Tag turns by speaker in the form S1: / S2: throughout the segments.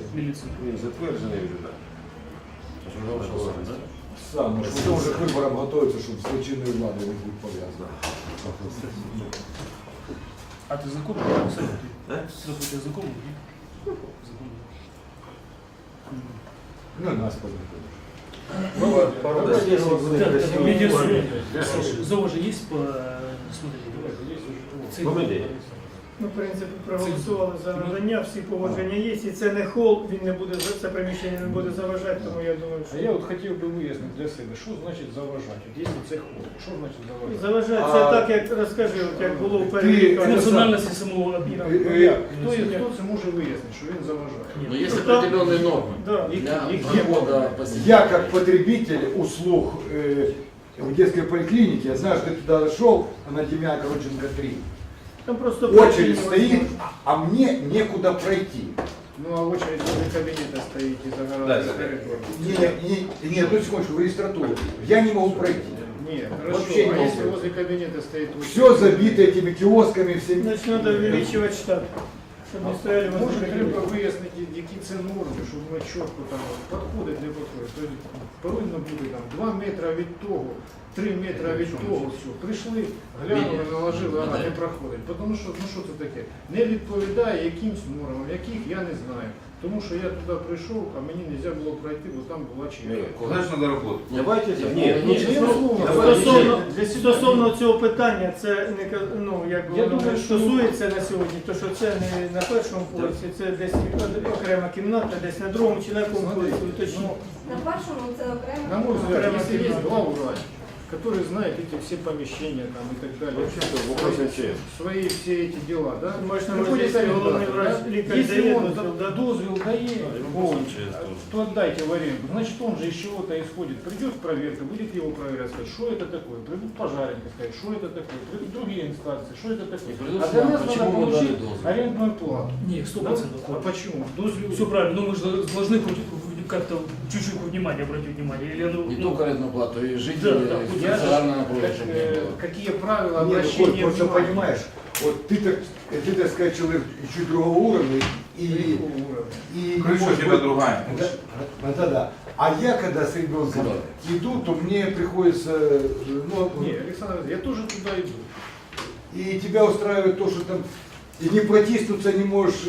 S1: міліцію.
S2: Він затверджений вже, так.
S3: Сам, що вже к виборам готується, щоб з злочинною владою не бути пов'язано.
S1: А ти закон? Ти закон?
S3: Ну, нас познакомишь.
S1: Зова же є по смотрите?
S4: Ну, в принципі, проголосували за надання, всі погодження є, і це не хол, він не буде, це приміщення не буде заважати, тому я думаю,
S5: А я от хотів би вияснити для себе, що значить заважати? От якщо це ход, що значить заважати?
S4: заважати це так, як розкажи, от як було в переліку.
S1: Функціональності самого об'єкту.
S5: Хто це може вияснити, що він заважає?
S6: Но есть определенные нормы.
S4: Да.
S6: Для прохода
S3: Я как потребитель услуг в детской поликлинике, я знаю, что ты туда шел, на Демьяна Короченко 3.
S4: Там просто
S3: Очередь стоит, а мне некуда пройти.
S5: Ну а очередь возле кабинета стоит и загораживает коридор.
S3: Не, одну секундочку, в регистратуру. Я не могу пройти.
S5: Нет, хорошо,
S3: Вообще не
S5: а если
S3: могу.
S5: возле кабинета стоит очередь?
S3: Все забито этими киосками, всеми.
S4: Значить, треба увеличувати штат, щоб не стояли
S5: Може,
S4: возле
S5: треба вияснити, які це норми, щоб ми чітко там підходить, не підходить. Тобто повинно бути там 2 метри від того, 3 метри від того, все. Прийшли, глянули, наложили, вона не проходить. Тому що, ну що це таке? Не відповідає якимсь нормам, яких я не знаю. Тому що я туди прийшов, а мені не можна було пройти, бо там була черга.
S2: Куда ж надо работать? Давайте,
S4: Стосовно цього питання, це не ну, як
S5: Я
S4: воно
S5: думаю, що-
S4: стосується на сьогодні, то що це не на першому поверсі, це десь окрема кімната, десь на другому чи на якому поверсі, уточніть.
S7: На першому це окремо.
S5: На мой взгляд,
S4: Окремо
S5: если есть
S4: кімната.
S5: главврач, который знает эти все помещения там и так далее,
S2: Вообще-то вопрос МЧС.
S5: свои все эти дела, да?
S4: Можеш на
S5: Приходит
S4: можливість головний
S5: арендатор,
S4: врач,
S5: да?
S4: лікар
S5: Если
S4: дає
S5: он
S4: дозвіл, да?
S5: дозвел дает, то отдайте в аренду. Значит, он же из чего-то исходит. Придет проверка, будет его проверять, сказать, что это такое. Придут пожарники, сказать, что это такое. Придут другие инстанции, что это такое.
S6: придут
S5: А
S6: к
S5: для
S6: нам,
S5: нас
S6: почему
S5: надо
S6: мы дали
S5: получить
S6: дозвол?
S5: арендную плату.
S1: Ні,
S5: Да?
S1: 100%.
S5: А почему? Дозвел.
S1: Все правильно, но мы же должны хоть как-то чуть-чуть внимание обратить внимание. Или оно,
S6: Не
S1: ну,
S6: только арендную плату, и жители
S1: Да,
S5: Я же,
S6: специально напротив,
S5: как,
S6: чтобы не было.
S5: какие правила
S3: Нет,
S5: обращения
S3: просто
S5: внимания?
S3: понимаешь, вот ты, так сказать, человек чуть другого уровня, и
S5: Какого уровня?
S3: не
S2: Крыша у
S3: может
S2: тебя
S3: быть-
S2: другая.
S3: Да. А я когда с ребенком иду, то мне приходится, ну,
S5: Не, Александр, я тоже туда иду.
S3: и тебя устраивает то, что там и не протиснуться не можешь,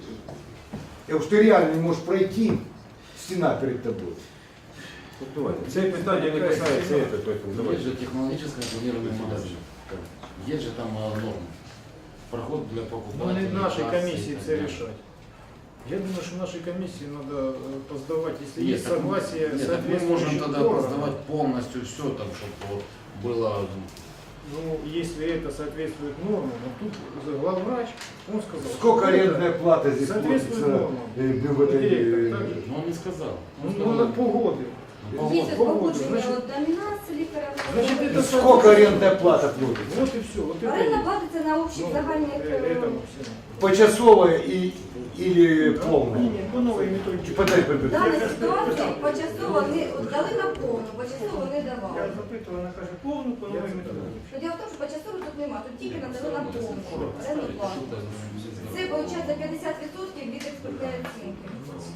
S3: что ты реально не можешь пройти, стена перед тобой.
S2: Давайте. Це питання не касається этого, поэтому
S6: Есть
S2: давайте.
S6: же технологическое планирование магазина. Есть же там нормы. Проход для
S5: Но
S6: покупателей.
S5: не нашей
S6: кассы и
S5: комиссии
S6: так
S5: это
S6: далее.
S5: решать. Я думаю, что нашей комиссии надо поздавать, если
S6: Нет,
S5: есть
S6: так мы-
S5: согласие
S6: нет, так мы можем
S5: соответствующих
S6: тогда
S5: органов.
S6: поздавать полностью все, там, чтобы вот было.
S5: Ну, если это соответствует нормам, вот тут главврач, он сказал,
S3: Сколько
S5: что
S3: арендная
S5: это
S3: плата здесь
S5: соответствует
S3: платится
S5: нормам.
S3: в этой...
S5: Директор, так же.
S6: Но он не сказал. Он
S5: Ну,
S6: сказал,
S5: на полгода.
S6: ну,
S7: Є
S6: погода.
S7: погодження
S5: Значить-
S7: от домінації лікаря.
S5: Значить, це
S3: Сколько арендная плата платится?
S5: Вот и все. Вот это
S7: Оренда
S5: есть.
S7: платиться на общих загальних.
S5: Этому всему.
S3: Почасовая или полная?
S4: Ні, по новій методиці.
S3: Подай,
S7: В даній ситуації почасово вони от дали на повну, почасово не
S4: Я
S7: давали.
S4: запитував, вона каже, повну по новій методиці.
S7: То Діло в тому, що почасово тут нема, тут тільки надали на повну оренду плату. Це виходить 50% від експертної оцінки.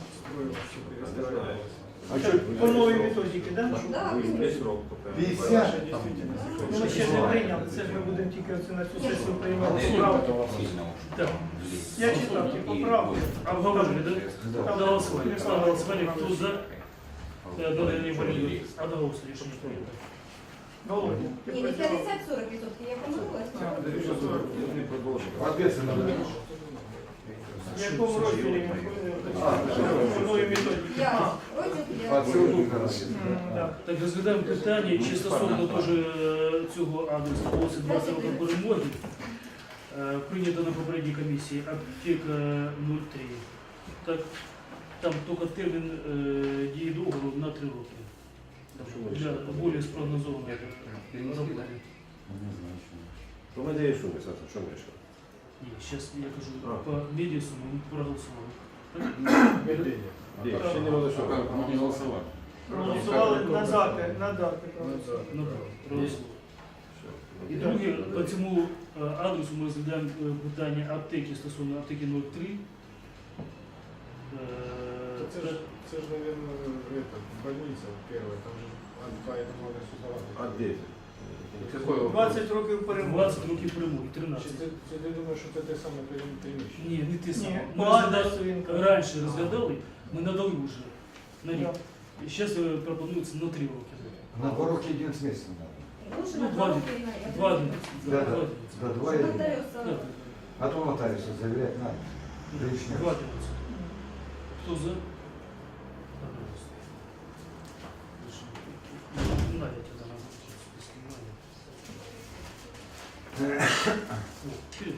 S3: А что,
S4: По новій методиці, так?
S7: Так,
S3: 50?
S4: Ми ще не прийняли, це ж ми будемо тільки оце на цю сесію приймати справку.
S1: так.
S4: Я читав ті поправки.
S1: Обговорили, да? На голосование. Ставлю на голосование, кто за? Одобрение более. Одноголосно решение принято.
S4: Володя, ти
S7: Ні, не
S4: працював?
S7: 50-40%, я помилилась.
S3: Ответственно.
S4: В якому розділі він по новій методиці?
S7: Я розділ
S3: А,
S7: 5.
S3: це тут, короче.
S4: Так.
S1: Так, розглядаємо питання, чи стосовно теж цього адресу вулиці 20 років перемоги. Прийнято на попередній комісії аптека 03. Так, там тільки термін дії договору на 3 роки. Для більш спрогнозованої роботи.
S6: Не знаю, что.
S2: Ну, ми даємо суми, Саша, що ми рішили?
S1: Ні, зараз я кажу, по медіасу ми проголосували.
S2: Ще не голосували.
S6: Как? Мы не голосовали.
S4: Проголосували надати.
S1: Ну так, проголосували. І друге, по цьому адресу ми розглядаємо питання аптеки стосовно аптеки 03.
S5: це ж, наверное, больниця перша, там же по этому адресу
S2: А
S5: давати.
S2: где? Какой вопрос?
S4: 20 років перемоги.
S1: 20 років перемоги, 13.
S5: Чи ти думаєш, що це те саме приміщення?
S1: Ні, не ти сам.
S4: Ні,
S1: Ми
S4: по адресу він каже.
S1: раніше розглядали, ми надали вже на рік.
S4: Да.
S1: І зараз пропонується на 3 роки.
S3: На 2 роки 11 месяцев надо.
S7: Лучше
S1: Ну,
S7: на 2
S1: два
S7: роки на
S1: 2
S7: 1.
S3: Да, да. Да, 2 и 1.
S7: Нотаріуса.
S3: А то нотариуса заверять надо. Лишний раз.
S1: Кто за? Пожалуйста. Надя тебя надо снимать.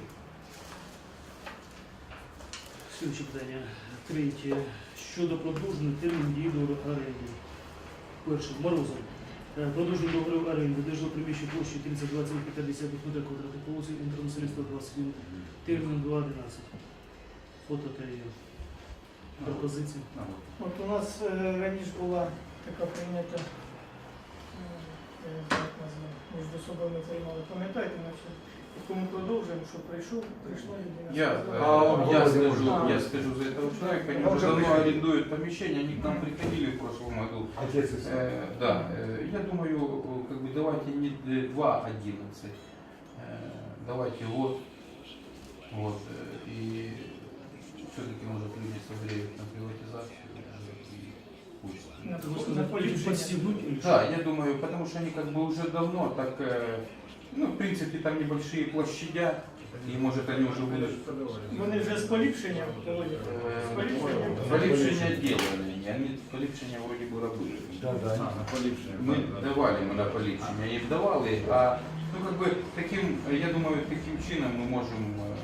S1: Слідче питання. Третє. Щодо продовження терміну дії договору оренди. Перше. Морозов. Продовження договору оренди. Державне приміщення площі 3020,50 метрів квадратних по вулиці Інтернаціоналістів 21. Термін 2.11. Фото та є. Пропозиції.
S4: От у нас раніше була така прийнята, я не знаю, як назвати, між собою ми приймали. Пам'ятаєте, наче, яку ми продовжуємо, що прийшла людина. сказала,
S8: Я скажу за этого человека, они
S3: Он
S8: уже
S3: уже
S8: давно
S3: пришли.
S8: арендуют помещение, они к нам приходили в прошлом году.
S3: Отец и сын.
S8: Да, я думаю, как бы давайте не 2.11, давайте вот, и все-таки может люди согреют на приватизацию и пусть.
S4: на поліпшення.
S1: Подстегнуть или
S8: Да, я думаю, потому что они как бы уже давно так, ну, в принципе, там небольшие площадя, и может они уже будут
S4: Вони вже з поліпшенням, Володя, з поліпшенням.
S8: поліпшення делали, они поліпшення вроде бы робили.
S3: Да, да.
S2: На поліпшення.
S8: Мы давали мы на поліпшення, їм давали, а ну как бы таким, я думаю, таким чином мы можем,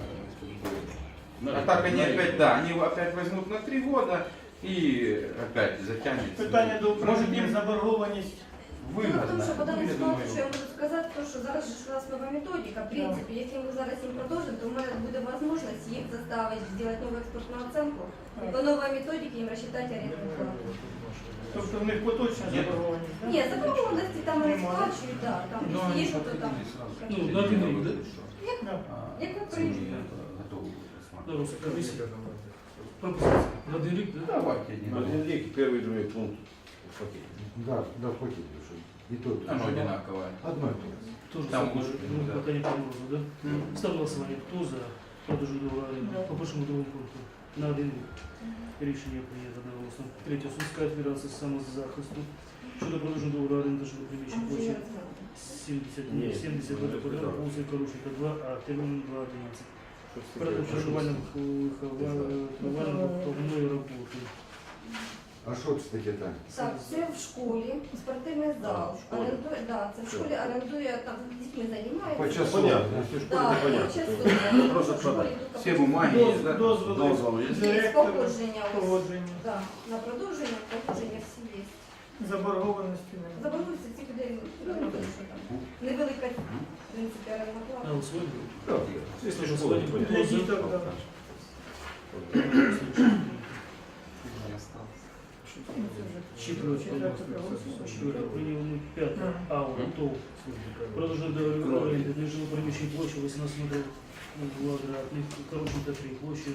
S8: а так они опять, да, они опять возьмут на 3 года и опять затянется.
S4: Питання до
S8: Может
S4: управління,
S8: им
S4: заборгованість.
S7: Ну, тому
S8: выгодно.
S7: що по даній
S8: Я
S7: ситуації,
S8: думаю,
S7: що я можу сказати, то, що зараз же ж у нас нова методика. В принципі, якщо ми зараз їм продовжимо, то в мене буде можливість їх заставити зробити нову експортну оценку і по новій методиці їм розчитати орендну плату.
S4: Тобто в них поточна
S8: Ні.
S7: Ні,
S4: заборгованість, так?
S7: заборгованості там вони
S4: Немає.
S7: сплачують, так, там
S8: Ну, они
S7: є, що то там.
S8: подходили сразу.
S1: Ну, на 1 рік, да?
S7: Як ви
S8: Цены
S7: прийдете?
S8: готовы будут рассматривать.
S1: Дорос, комісія. Пропозиції. На 1 рік, да?
S8: Давайте один.
S2: Один век, первый, другой пункт. Окей.
S3: Да, да, хватит уже. И то, и то.
S8: Оно одинаковое.
S3: Одно и то же.
S1: Тоже
S8: Там
S1: самое,
S8: лучше,
S1: ну,
S8: да.
S1: пока не помогу, да? Ставлю голосування. Хто за? Продовження договору оренди.
S4: Да.
S1: По першому другому пункту. На 1 рік. Рішення прийнято одноголосно. Третє. Сумська федерація самозахисту. Щодо продовження договору оренди жилого приміщення
S7: Там
S1: площі
S7: вже розглянули.
S1: 70 метрів квадратних по вулиці Корушенка 2, а термін 2.11. Перед вживанням виховальної роботи.
S3: А что, кстати, там?
S7: Так, це в школі, спортивний зал.
S2: в школі.
S7: Орендує, да, це в школі орендує, там з дітьми займається.
S3: По часу.
S2: Понятно, если в школе
S7: Да,
S2: непонятно.
S7: по часу.
S2: то Просто
S7: В школі
S2: продать.
S7: тут
S8: Все бумаги есть, да?
S4: Дозволи,
S2: Дозвол есть?
S7: Є
S4: директора,
S7: погодження. ось.
S4: погодження,
S7: Да, на продовження, погодження всі є.
S4: заборгованості немає.
S7: Заборонується ці людей, ну, не те, що там. Невелика, в принципі, орендна
S1: На
S7: плата.
S1: голосування.
S2: Да, если в школе
S4: Для
S2: непонятно.
S4: діток, так.
S8: Не осталось.
S1: Четверте. Прийняли 5. Аура, ТОВ. Продовження договору оренди для жилого приміщення площі 18 метрів квадратних, Короченка 3, площі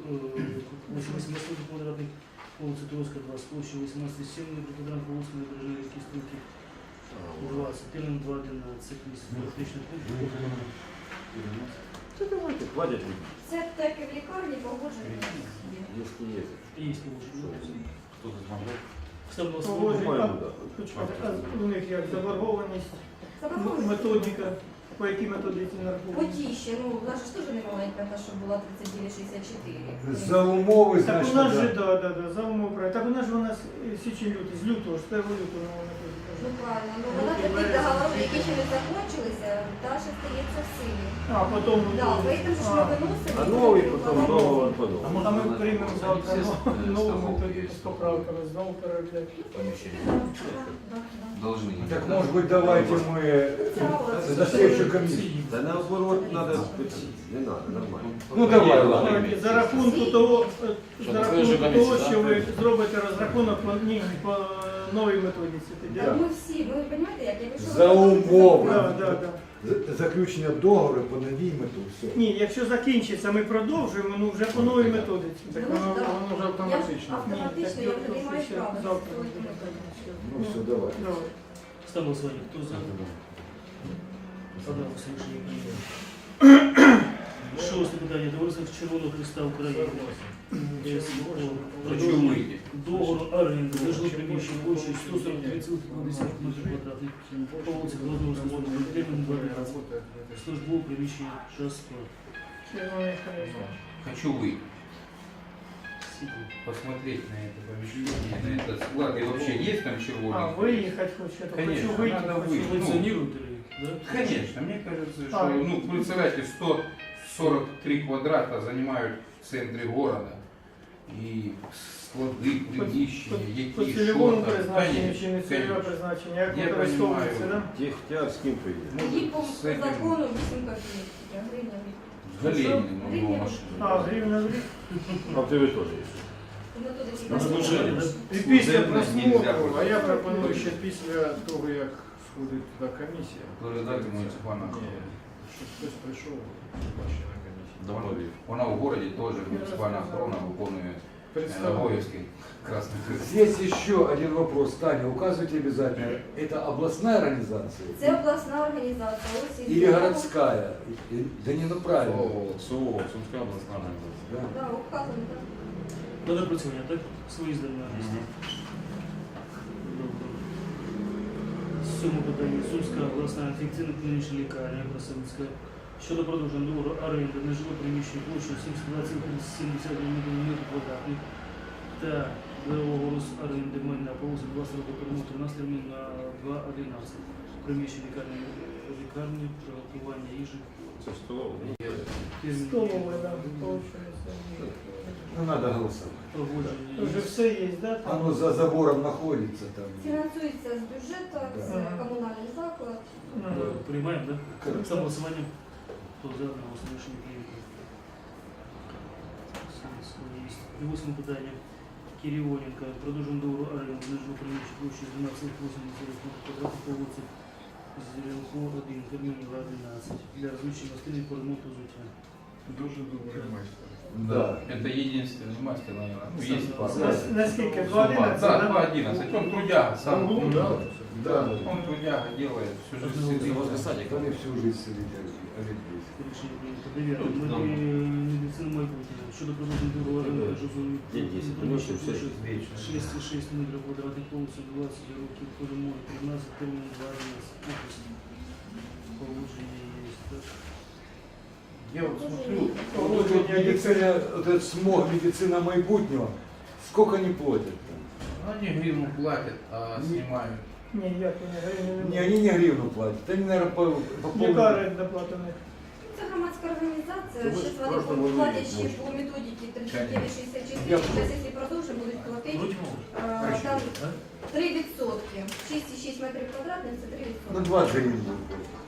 S1: 18 квадратних, вулиця Туровська 2, з площі 18,7 метрів квадратних, вулиця Набережної ріки Стрілки 20, термін 2.11 місяць. Практичний пункт.
S2: Да давайте, хватит ли?
S7: Це так і в лікарні погодження.
S2: Если есть.
S1: Є положення.
S8: Кто-то смотрел?
S1: Ставлю на
S4: Погодження.
S1: голосування.
S2: По-моему, да.
S4: Почекайте, а у них як заборгованість,
S7: Заборонується.
S4: методика, по якій методиці
S7: По
S4: нараховують?
S7: ті ще, ну, в нас ж теж не маленька, та, що була 39,64.
S3: За умовы,
S4: Так
S3: значит,
S4: у нас же,
S3: да.
S4: да, за умов правильно. Так у нас же у нас січень лютий, з лютого, з 1 лютого вона
S7: Ну
S4: методика.
S7: правильно, ну вона таких договорів, які ще не закончилися, та ще стається в силі.
S4: А, потім...
S7: Да, поэтому ж ми виносимо.
S2: А новый потом договор подобный.
S4: А ми приймемо завтра
S8: Естественно,
S4: нову
S8: естественно,
S4: методику з поправками, знову переробляти.
S8: Помещение. Должны.
S3: Так, может быть, давайте мы
S7: Це
S3: за следующую же комиссия.
S2: Да наоборот, надо, не надо, нормально.
S3: Ну давай, ладно.
S4: Давайте, за рахунку того,
S6: Що,
S4: за
S6: на той же
S4: рахунку
S6: комісії,
S4: того,
S6: да?
S4: що ви зробите розрахунок по новій методиці. тоді.
S7: Так ми всі, ви розумієте, як я вийшов.
S3: За умови.
S4: Да.
S3: Заключення договору по новій мету, все.
S4: Ні, якщо закінчиться, ми продовжуємо, ну вже по новій методиці.
S5: Так
S7: Ну,
S5: воно,
S7: да.
S5: воно вже автоматично.
S7: Автоматично я вже не маю права.
S4: Завтра.
S3: Ну все, давай.
S4: Давай.
S1: Ставлю голосування. Хто за? Подався рішення прийняти. Шосте питання. Товариство Червоного Христа України.
S8: Хочу выйти.
S1: Договору оренди за жиле приміщення площею 143,2 м2 по вулиці Голодного Слободного, термін 2 рази. Службове приміщення ЧАСП.
S4: Червоний хрест.
S8: Хочу выйти. Посмотреть на это помещение, на этот склад. И вообще есть там
S4: А,
S8: червоный?
S4: виїхати хочете?
S8: Конечно,
S4: Хочу вийти,
S8: надо
S4: хочу
S8: выйти.
S1: Функціонують ли? Да?
S8: Конечно, мне кажется, что,
S4: А.
S8: ну, представляете, 143 квадрата занимают в центре города. И склады, приміщення,
S4: По
S8: які
S4: цільовому
S8: що там.
S4: призначенню чи не цільове
S8: Конечно.
S4: призначення, як
S8: Я
S4: використовується,
S8: понимаю.
S4: да?
S2: Техтяр с кем поедет?
S7: Тоді по
S8: З цим-
S7: закону 8 копійок, гривня.
S8: С Галениным, у него машина.
S4: А, гривня в рік.
S2: А в тебе тоже есть.
S1: На служение, да?
S4: І після
S8: Служебно нельзя
S4: просмотру, а я
S8: просто.
S4: пропоную ще після того, як сходить туди комісія.
S8: Передати муніципальна
S4: Ні, щоб хтось прийшов, бачив на комісії.
S2: Добавил.
S8: Вона в городі теж муніципальна охорона виконує обов'язки Красних Хрестів.
S3: Здесь еще один вопрос, Таня, указывайте обязательно, это областная организация
S7: Це обласна організація. ось і-
S3: или городская? Да не, ну правильно.
S6: СУО, Сумська обласна організація.
S3: Да.
S7: Да, указано, так.
S1: На напрацювання, так? Свої здання. Добре. Сьоме питання. Сумська обласна інфекційна клінічна лікарня Красавицька щодо продовження договору оренди на жиле приміщення площею 72,71 м2 та договору з оренди майна по вулиці 20 років перемоту на термін на 2.11. Приміщення лікарні, приготування їжі.
S2: Це столова.
S1: термін
S4: Столове, да, виходить.
S3: Ну надо голосовать.
S1: проводження
S4: Вже
S1: їжі.
S4: все є, да? там?
S3: Оно за забором находится там.
S7: Фінансується з бюджету, це
S4: Да.
S7: комунальний заклад.
S4: Ну,
S1: Приймаємо, так?
S3: Конечно.
S1: За голосуванням. Хто за одного рішення прийнято. Восьме питання. Кирионенко. Продовжуємо договору оренди на жиле приміщення площею 12,8 квадратів по вулиці Зеленко 1, термін 2.11 для розміщення гостини по ремонту взуття.
S5: Дуже добрий майстер.
S3: Да.
S8: Это единственный мастер, наверное. Ну, есть
S1: За-
S8: пара.
S1: за-
S4: Наскільки?
S8: Сума.
S4: 2.11,
S8: Да,
S4: да?
S8: 2.11. Он трудяга сам.
S5: Ну, да.
S3: Да.
S8: Он трудяга делает всю жизнь.
S6: Це
S8: сидит.
S6: возле садика.
S3: Они всю жизнь сидят, олень здесь.
S1: Рішення прийнято. Дев'яте. Медицина майбутнього. Щодо продовження договору оренди на жиле
S2: День 10, приносим все.
S8: 6,6
S1: 6,6 м2 повністю 20 років по ремонту 13 термін 2.11. Положення є. Так.
S8: Я вот смотрю,
S3: Вот тут медицина, вот этот смог, медицина майбутнего, сколько они платят там?
S8: они гривну платят, а снимают.
S4: Ні, як вони, гривні
S3: Не, они не гривну платят, они, наверное, по
S4: Яка
S3: полной...
S4: оренда плата в них?
S7: Це громадська організація.
S2: Це ми
S7: Зараз
S2: ж
S7: вони
S2: просто можемо
S7: платять ще
S2: можемо.
S7: по методиці
S3: Я
S7: 39,64.
S3: понял.
S7: Зараз, якщо продовжуємо, будуть платити там 3%. 6,6 метрів квадратних – це 3%.
S3: Ну, 20 гривен будет.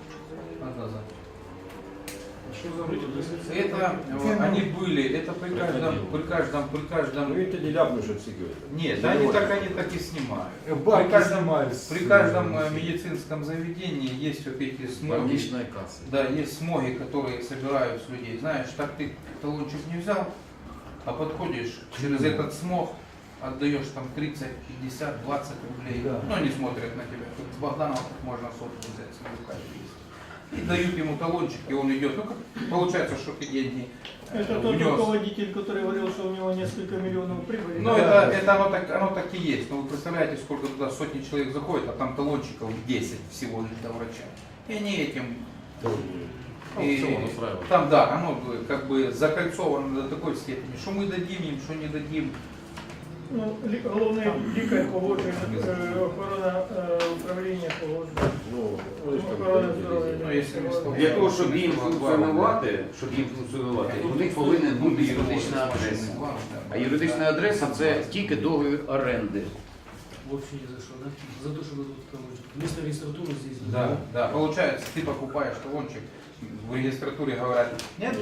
S5: Що за вигляд?
S8: Это они были, это при каждом.
S2: Ну это не ляпнешь от всего.
S8: Нет, они так и снимают.
S3: Бабки
S8: При каждом,
S3: снимались.
S8: при каждом медицинском заведении есть вот эти смоги.
S6: Больничная касса.
S8: Да, есть смоги, которые собирают с людей. Знаешь, так ты талончик не взял, а подходишь через этот смог, отдаешь там 30, 50, 20 рублей.
S3: Да.
S8: Ну, они смотрят на тебя. Тут с Богданом можно сотку взять, смотрю, как есть. И дают ему талончик, и он идет. Ну, как получается, что ты деньги
S4: Это тот
S8: внес.
S4: руководитель, который говорил, что у него несколько миллионов прибыли.
S8: Ну,
S4: Да.
S8: это оно так и есть. Но вы представляете, сколько туда сотни человек заходит, а там талончиков 10 всего лишь до врача. И они этим...
S6: Аукцион устраивают.
S8: Там, да, оно как бы закольцовано до такой степени, что мы дадим им, что не дадим.
S4: Ну, головний лікар погоджує, охорона управління погоджує.
S2: Ну, вони ж там
S4: Охорона
S2: день
S4: здоров'я.
S8: Ну, якщо не стало.
S9: Для того, щоб їм функціонувати, у них повинен бути юридична адреса. А юридична адреса це тільки договір оренди.
S1: Вообще ни за что, да? За то, что дадут колончик. Вместо регистратуры здесь.
S8: Да, да, получается, ты покупаешь талончик, в регистратуре говорят, нет,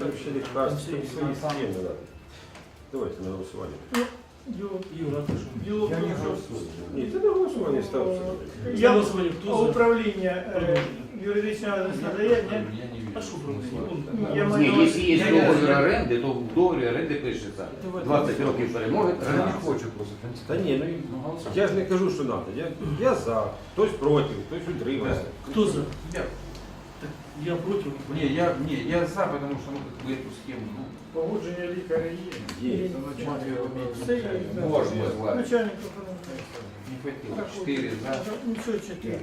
S2: Давайте на голосування.
S1: Юра, ты что?
S4: Дело в
S3: Я не
S4: том, что
S3: голосую.
S2: Ні, це на голосування ставиться.
S1: За голосование кто за?
S4: управління юридичного адреса надає, ні?
S8: я не вижу.
S1: А что
S8: смысла.
S1: проблема?
S4: Я
S9: Ні,
S4: маю на
S9: якщо
S4: увазі-
S9: є договір оренди, то в договорі оренди пишеться 20 років перемоги,
S2: Я не
S9: 13.
S2: хочу просто. Та ні, ну я ж не кажу, що треба. Я за, хтось проти, хтось утримався.
S1: Кто за?
S8: Я,
S1: Так, я против.
S8: я за, потому что ну, как бы эту схему, ну,
S5: Погодження лікаря є.
S2: Є.
S5: Це начальник
S4: Все є, да.
S3: Можно.
S4: Начальник охорони.
S8: не хватило.
S4: Так,
S8: 4 за.
S4: Нічого, 4.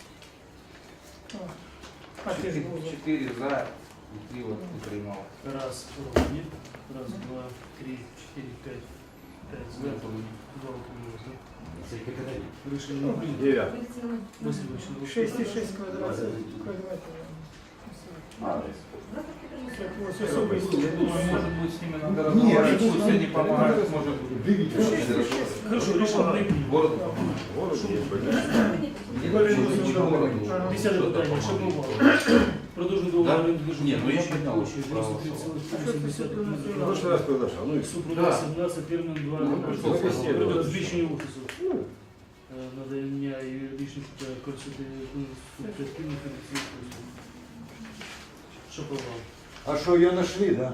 S4: А ти ж був за.
S8: 4 за, и 3 вот утримал.
S1: Раз, нет. Раз, два, три, четыре, пять. Пять за. Два утрималось, да?
S9: Це категорія.
S1: Решение не принято.
S2: 9.
S1: Васильевич,
S4: 6,6 квадратів. Ось особисто.
S8: Я думаю, может быть, с ними надо
S3: Нет,
S8: разговаривать,
S3: это
S8: пусть они помогают, может быть.
S3: Дивіться.
S1: Хорошо, решение не принято.
S8: Город
S2: Воно є,
S4: Ага.
S1: 10 питання, Шаповал. Продовжує договор оренди
S8: Ні, ну, я
S1: державної
S8: підняв
S1: площі
S8: право
S1: 93,8
S2: Ну, прошлый раз приглашал. Ну, и
S1: Супруга 17, термін 2
S8: Ну,
S1: збільшення офісу. Надання юридичних та консультативних фінансових послуг. Шаповал.
S3: А что, ее нашли, да?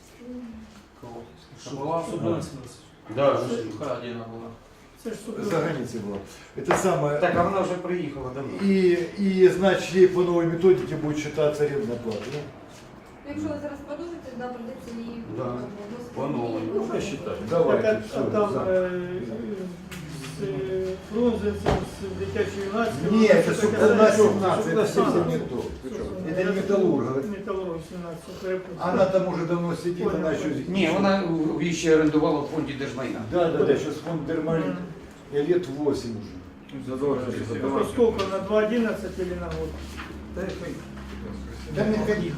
S1: Шаповал, Супруга 17.
S9: Да,
S8: Украдена была.
S4: Це ж супер.
S3: За границей была. Это самое.
S9: так, а вона вже приїхала давно.
S3: И значит, ей по новой методике будет считаться арендная плата. Да?
S7: Якщо ви зараз продовжите, да, придеться її
S9: Да. По новій.
S2: можно считать.
S3: Давайте,
S4: Так, а
S3: все,
S4: там
S3: за.
S4: з Фрунзенцем, з дитячої юнацької.
S3: Нет, это Супруга 17, это
S4: А,
S3: совсем не то. Это не металлург.
S4: Металлург 17, перепутав.
S3: Она там уже давно сидит, она еще...
S9: Ні, вона її ще орендувала в фонді держмайна.
S3: Да, сейчас фонд Дермалин. И лет 8 уже.
S2: Задолженность.
S4: Это сколько, на 2,11 или на год?
S3: Да не ходи.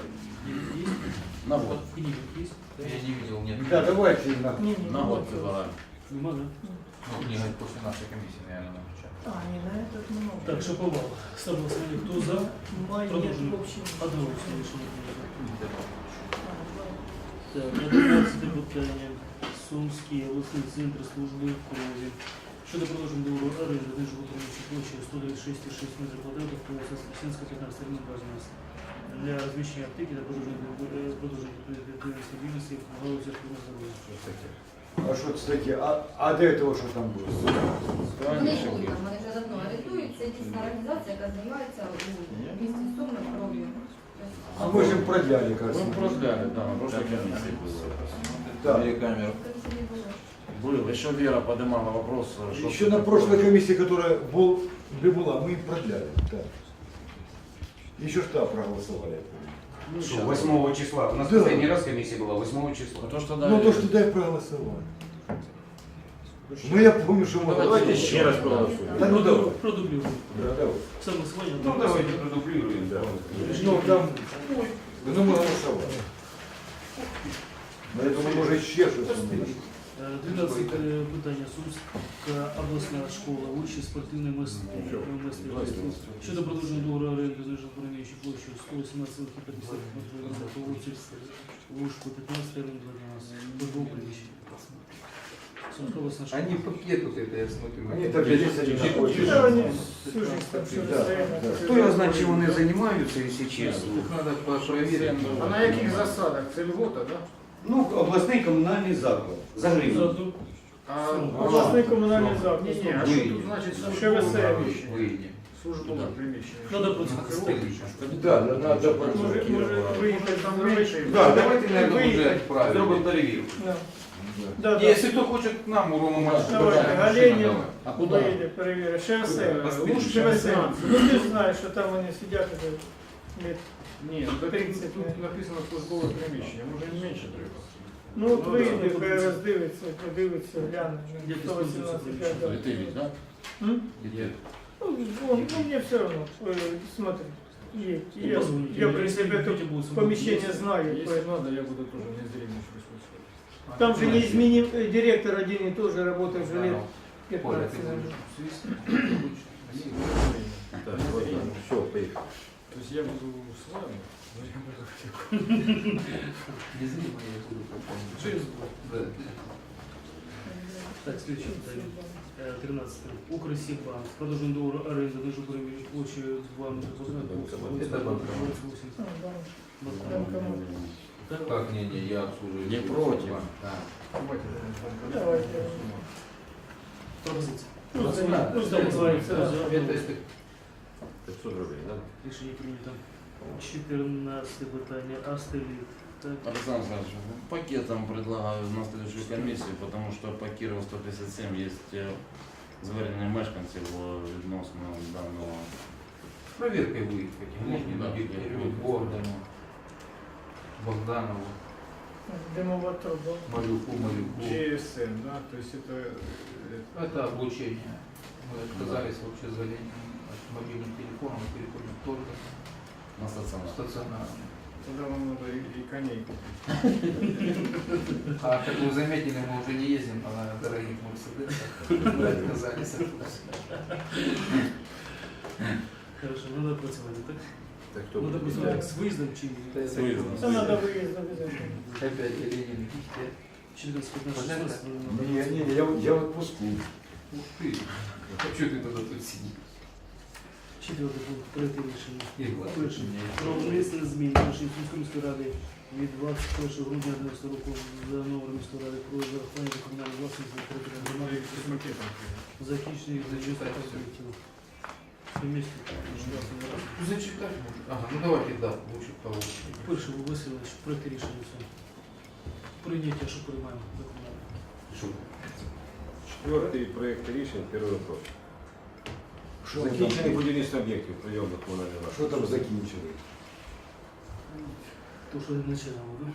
S9: На год.
S1: Книга есть?
S8: Я не видел, нет.
S3: Да, давайте на.
S4: Не,
S9: На год предлагаю.
S1: Нема, да?
S8: Ну, книга после нашей комиссии, наверное, напечатана.
S4: А, не на этот много.
S1: Так, Шаповал. Ставлю голосование. Кто за?
S4: Май нет
S1: Продолжим.
S4: вообще.
S1: Одноголосно решение принято. Так, 11 питання. Сумський обласний центр служби крові. Щодо продовження договору оренди на животворчій площі 126,6 метрів квадратних по Воскресенська 15 термін базовості для розміщення аптеки та продовження підприємницької діяльності в галузі охорони здоров'я.
S3: А что, кстати, а до этого что там было?
S7: Вони йдуть там, вони вже давно орендують. Це дійсна організація, яка займається у місті Суми кров'ю.
S3: А мы же им продляли, кажется.
S6: Мы продляли, да, на прошлой комиссии было.
S3: Да.
S6: Камеру. Был. Еще Вера поднимала вопрос. что
S3: Еще на прошлой комиссии, которая была, мы им продляли. Да. Еще штаб проголосовали.
S6: Ну,
S9: Що,
S6: сейчас.
S9: 8 числа. У нас
S3: Да.
S9: останній раз комісія була 8 числа.
S6: То, что
S3: Ну то, что дай проголосовали. Ну я помню, что мы...
S2: Давайте еще раз проголосуем.
S3: Да ну давай.
S1: Продублюємо.
S3: Да, давай.
S1: Саме голосування.
S2: Ну, давайте продублируем, да.
S3: Ну там... Ну мы голосовали. Но я думаю, может еще что-то есть.
S1: 12 питання. Сумська обласна школа, вищі спортивне мистецтво. Щодо продовження договору оренди за житлово-приміщення площею 118,50 метрів по вулиці Лужку 15 термін 12. Службове приміщення. Сумська обласна школа.
S8: Они пакет вот это, я смотрю.
S3: Они так здесь они не хочет.
S4: Да, они всю жизнь там все
S3: Да, да.
S9: Хто його знає, чим вони займаються, якщо чесно?
S8: Их надо проверить.
S5: А на яких засадах? Це льгота, да?
S9: Ну, обласний комунальний заклад. За гривню.
S1: Заодно
S5: А
S4: обласний комунальний заклад.
S5: Ні, ні, а що тут значить службове приміщення?
S8: Выйди.
S5: Службове приміщення.
S1: Надо просто
S3: Да, да, надо
S4: Може виїхати там менше.
S8: Да, давайте, наверное, уже
S4: Виїхати.
S8: правильно.
S9: Зробимо перевірку.
S4: Да. Да, да.
S8: Если кто хочет к нам, у Рома Маршрута.
S4: Давайте, Галенін
S6: А куда?
S4: вийде, перевірить. ШВС.
S8: Поспішно.
S4: ШВС. Ну ти ж знаєш, що там вони сидять вже лет.
S5: Ні, ну так
S4: 30,
S5: тут написано службове приміщення, може і менше треба.
S4: Ну от вийде, хай роздивиться, подивиться, гляне.
S1: Як
S4: 118,5, да.
S6: Ты ведь, да?
S4: М?
S6: Где?
S4: Ну, мне все равно. Смотри. Я,
S1: позвоните.
S4: я при себе
S1: Если
S4: тут
S1: будете, будут
S4: помещение знаю.
S5: Если
S4: поэтому-
S5: надо, я буду тоже незримо присутствовать.
S4: Там же неизменим директор один и тоже работает уже лет 15
S2: Так, вот, все, поехали.
S5: То есть я буду с вами, но я буду
S8: Незримо я буду помнить.
S4: Через
S1: Так, следующее питання. 13. Укрсибанк. Продовжуємо договору оренди на житловій площі 2 метри квадратних.
S8: Это банк. Так, не, я обслуживаю.
S6: Не против.
S8: Да.
S4: Давайте.
S1: Пропозиція.
S4: Ну,
S1: Просто називається
S8: Это если
S2: 500 рублей, да?
S1: рішення прийнято. 14 питання. Астеліт. Так.
S6: Александр Александрович, пакетом предлагаю на следующую комиссию, потому что по Кирову 157 есть звернення мешканців відносно даного.
S8: с проверкой выехать. Можно
S6: Да.
S8: Богдану, Богданову,
S4: Дымовая труба.
S8: Малюку.
S5: GSM, да, то есть это
S8: Это облучение. Мы отказались вообще за от мобильных телефонов, переходим только
S6: На стаціонар.
S8: стационарно.
S5: тогда нам надо и коней.
S8: А как вы заметили, мы уже не ездим на дорогих мерседесах. Мы отказались от этого.
S1: Хорошо, надо працювати, так?
S2: Так кто
S1: Надо
S2: будет?
S1: працювати з виїздом чи
S2: С выездом.
S4: Там надо выезд обязательно.
S8: Опять Ленин.
S1: 14, 15, 16?
S3: Не, я в отпуску.
S8: Ух ты. А что ты тогда тут сидишь?
S1: Четвертий пункт, третє рішення.
S8: Ігор,
S1: Перше.
S8: мені
S1: Про внесення змін до рішення Сумської міської ради від 21 грудня 2011 року за номером міської ради про зарахування комунальної власності на території громади
S5: С макетом.
S1: захищених за
S8: Зачитай всё.
S1: об'єктів. Місто.
S8: Ну, зачитать можно. Ага, ну давайте, да, лучше того.
S1: Перше, Васильович, проєкт рішення все. Прийняття, що приймаємо документи.
S2: Четвертый проект решения, первый вопрос.
S3: Что
S2: Закінчений будівництво об'єктів прийомних комунальних
S3: Что
S2: власності.
S3: там закінчили?
S1: То, що не починало, так?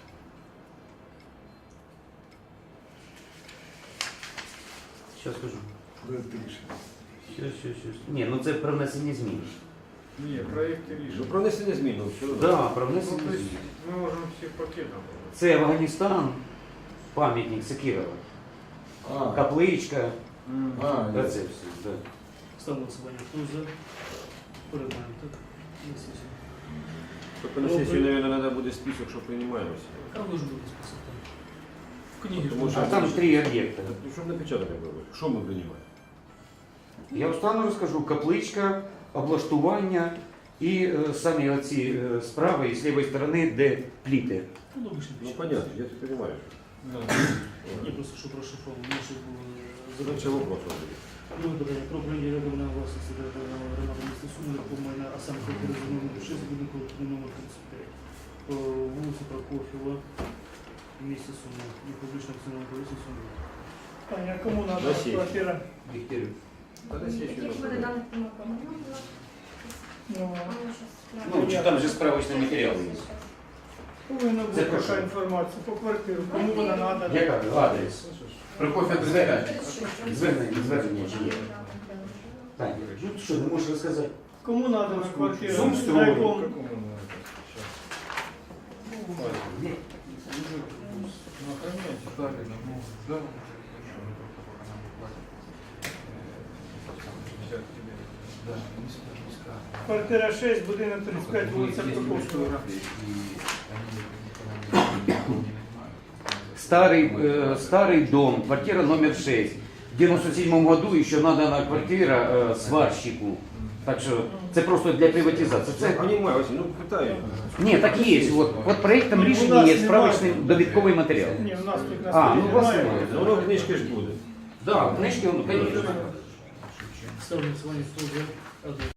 S9: Зараз скажу.
S3: Проект рішення.
S9: Щас. Ні, ну це про внесення змін.
S5: Не, проекты
S2: Ну,
S5: решили.
S2: про внесення змін, ну, все одно.
S9: Да, про
S5: Ну,
S9: внесення
S5: то есть
S9: змін.
S5: мы можем всех пакетом.
S9: Це Афганістан, пам'ятник Сакірова, капличка, та це все. Да.
S1: Ставимо голосування. Хто за? Приймаємо, так? На сесію.
S2: Только на сессию, наверное, надо будет список, что принимаемся.
S1: А ви ж будете списати. В книгі ж
S2: Тому
S1: буде.
S2: що-
S9: А там 3 об'єкти.
S2: Ну, чтобы напечатано было. Что мы принимаем?
S9: Я встану розкажу. Капличка, облаштування і самі оці справа і з лівої сторони, де пліти.
S1: Ну, ви ж не
S2: Ну,
S1: пишете.
S2: понятно, я это понимаю.
S1: Ні, просто що розшифровано. Ми ще було
S2: Задача вопросов будет.
S1: друге питання про прийняття комунальної власності територіального громади міста Суми, нерухомої на саме квартири за номером 6, будинку номер 35. По вулиці Прокоф'єва, в місті Суми. І публічно акціонерне товариство Суми.
S4: Таня, кому надо
S2: Россия.
S4: квартира?
S8: Дегтярев.
S2: Тогда сессию
S7: Які буде
S2: надо.
S7: даних помилками?
S4: Ну,
S9: Ну, чи там же справочний матеріал є.
S4: повинна
S9: Це
S4: бути
S9: про
S4: така
S9: що?
S4: інформація по квартиру, кому вона надо.
S9: Яка адрес?
S8: Прокофьев
S9: Звернення чи є? Так, ну що, не можеш розказати?
S4: Кому надо на квартиру?
S9: Сумстрой.
S4: На якому?
S5: Какому надо?
S9: Ні.
S8: Ну, охраняйте. Правильно, ну, да, ну, хорошо, ну, только пока нам платят.
S5: Сейчас тебе.
S8: Да, низко.
S4: Квартира 6, будинок 35,
S8: Ну,
S4: вулиця
S8: есть
S4: Прокоф'єва.
S8: фотографии, и они никогда не нанимают.
S9: Старый дом, квартира номер 6. В 97 году еще надана квартира сварщику. Так що це просто для приватизації.
S2: Я
S9: Це...
S2: понимаю, Василий, ну пытаюсь.
S9: Ні, так є. От проєктом рішення є справочний довідковий матеріал.
S4: Ні, у нас тут на
S9: А,
S4: столі
S9: ну, у вас
S4: немає.
S9: немає.
S2: Ну, воно в книжке ж буде.
S9: Да, книжки, ну, конечно.
S1: Ставлю голосування. Хто за? Одне.